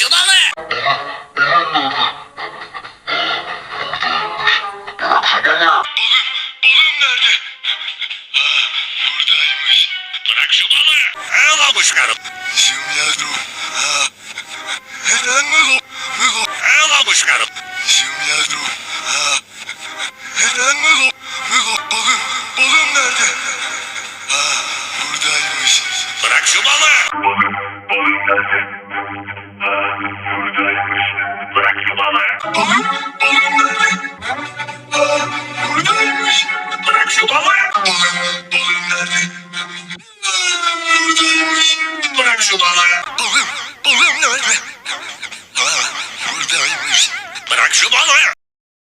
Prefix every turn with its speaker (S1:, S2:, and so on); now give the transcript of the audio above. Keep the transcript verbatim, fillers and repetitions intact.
S1: şu balığı.
S2: Balım, balım nerede? Ha, buradaymış.
S1: Bırak şu balığı. Al abuşkarım.
S2: Zümrüt. Ha, neden mi bu? Mi bu?
S1: Al abuşkarım.
S2: Zümrüt. Ha, neden mi bu? Mi bu? Balım, balım nerede? Ha, buradaymış.
S1: Bırak şu balığı.
S2: Balım, balım nerede? Ha, buradaymış.
S1: Bırak şu balığı.
S2: Balım, balım nerede? Ha, buradaymış.
S1: Bırak şu balığı.
S2: Balım, balım nerede? Ha, buradaymış.
S1: Bırak şu balığı.